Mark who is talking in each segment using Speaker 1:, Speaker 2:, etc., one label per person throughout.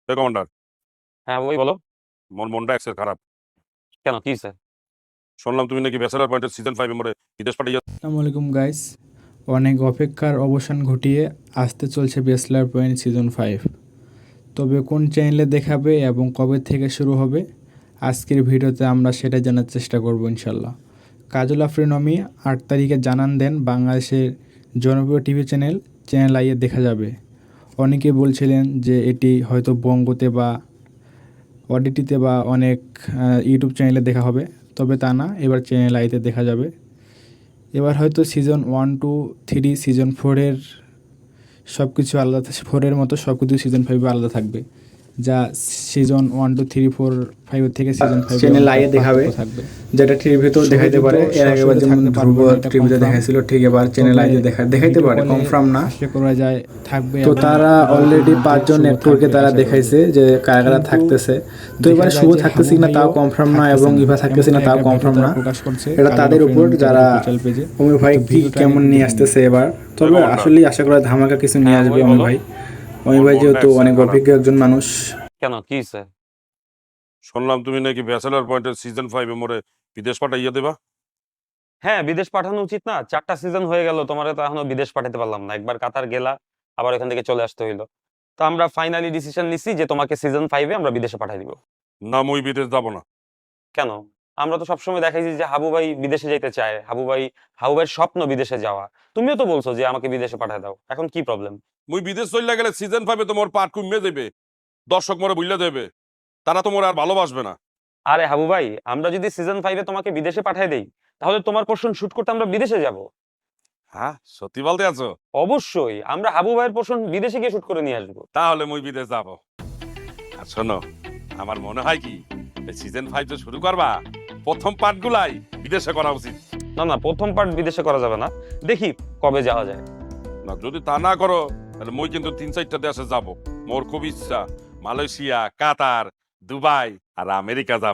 Speaker 1: Commander,
Speaker 2: হ্যাঁ ওই বলো।
Speaker 1: মনটা এক্সের খারাপ।
Speaker 2: কেন, কি স্যার?
Speaker 1: শুনলাম তুমি নাকি ব্যাচেলার পয়েন্টের সিজন 5 এ বিদেশ পাঠিয়ে
Speaker 3: আসসালামু আলাইকুম গাইস, অনেক অপেক্ষার অবসান ঘটিয়ে আসতে চলছে ব্যাচেলার পয়েন্ট সিজন 5। তবে কোন চ্যানেলে দেখাবে এবং কবে থেকে শুরু হবে আজকের ভিডিওতে আমরা সেটা জানার চেষ্টা করব ইনশাল্লাহ। কাজল আফরিন অমি 8 তারিখে জানান দেন বাংলাদেশের জনপ্রিয় টিভি চ্যানেল আইয়ে দেখা যাবে। অনেকে বলছিলেন যে এটি হয়তো বঙ্গতে বা ওটিটিতে বা অনেক ইউটিউব চ্যানেলে দেখা হবে, তবে তা না, এবার চ্যানেল আইতে দেখা যাবে। এবার হয়তো সিজন 1, 2, 3, সিজন 4-এর সব কিছু আলাদা, 4-এর মতো সব কিছু সিজন 5-এ আলাদা থাকবে, যা সিজন 1, 2, 3, 4, 5 থেকে সিজন 5
Speaker 4: চ্যানেল আইয়ে দেখাবে, যেটা টিভিতেও দেখাইতে পারে। এর আগে যেমন ধ্রুব টিভিতে দেখাইছিল, ঠিক এবার চ্যানেল আইয়ে দেখাইতে পারে, কনফার্ম না।
Speaker 3: আশা করা যায় থাকবে।
Speaker 4: তো তারা অলরেডি 5 জন অ্যাক্টরকে তারা দেখাইছে যে কারা কারা থাকতেছে। তো এবার শুভ থাকতেছে কিনা তাও কনফার্ম না, এবং ইভা থাকতেছে না তাও কনফার্ম না। এটা তাদের উপর, যারা অমি ভাই কি কেমন নিয়ে আসতেছে এবার। তবে আসলে আশা করা ধামাকা কিছু নিয়ে আসবে অমি ভাই। অমি ভাই যেহেতু অনেক অভিজ্ঞ একজন মানুষ।
Speaker 2: কেন, কি স্যার?
Speaker 1: শুনলাম তুমি নাকি ব্যাচেলার পয়েন্টের সিজন 5 এ বিদেশ পাঠিয়ে দেবা।
Speaker 2: হ্যাঁ, বিদেশ পাঠানো উচিত না? 4টা সিজন হয়ে গেল, তোমারে তো এখনো বিদেশ পাঠাতে পারলাম না। একবার কাতার গেলা, আবার এখান থেকে চলে আসতে হইলো। তো আমরা ফাইনালি ডিসিশন নিছি যে তোমাকে সিজন 5-এ আমরা বিদেশে পাঠাই দিব।
Speaker 1: না, মই বিদেশ যাব না।
Speaker 2: কেন? আমরা তো সবসময় দেখাইছি যে হাবু ভাই বিদেশে যাইতে চায়, হাবু ভাইয়ের স্বপ্ন বিদেশে যাওয়া। তুমিও তো বলছো যে আমাকে বিদেশে পাঠায় দাও, এখন কি প্রবলেম?
Speaker 1: মই বিদেশ চলে গেলে সিজন 5 তোমার পার্ট কমে দেবে, দর্শক মরে বুঝলে দেবে, তারা তোমার আর ভালোবাসবে না।
Speaker 2: আরে হাবু ভাই, আমরা যদি সিজন 5-এ তোমাকে বিদেশে পাঠায় দেই, তাহলে তোমার পোর্শন শুট করতে আমরা বিদেশে যাব।
Speaker 1: হ্যাঁ, সত্যি বলতে আছো?
Speaker 2: অবশ্যই, আমরা হাবু ভাইয়ের পোর্শন বিদেশে গিয়ে শুট করে নিয়ে আসবো।
Speaker 1: তাহলে মই বিদেশ যাব। আর শোনো, আমার মনে হয় কি সিজন 5 যে শুরু করবা, প্রথম পার্ট গুলাই বিদেশে করা উচিত।
Speaker 2: না, প্রথম পার্ট বিদেশে করা যাবে না, দেখি কবে যাওয়া যায়।
Speaker 1: না, যদি তা না করো তাহলে মই কিন্তু 3-4টা দেশে যাব। মোর খুব ইচ্ছা মালয়েশিয়া, কাতার, দুবাই আর আমেরিকা যাব।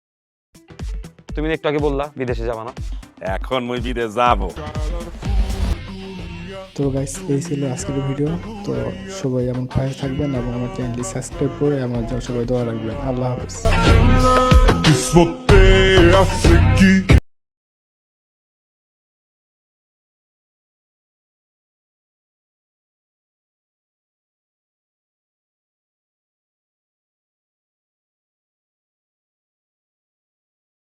Speaker 2: তুমি একটু আগে বললা বিদেশে যাবা না।
Speaker 1: এখন মই বিদেশ যাব।
Speaker 3: তো গাইস, এই ছিল আজকের ভিডিও। তো সবাই এমন পাশে থাকবেন এবং আমার চ্যানেলটি সাবস্ক্রাইব করে আমার জন্য সবাই দোয়া রাখবেন। আল্লাহ হাফেজ।
Speaker 5: Isso é aqui.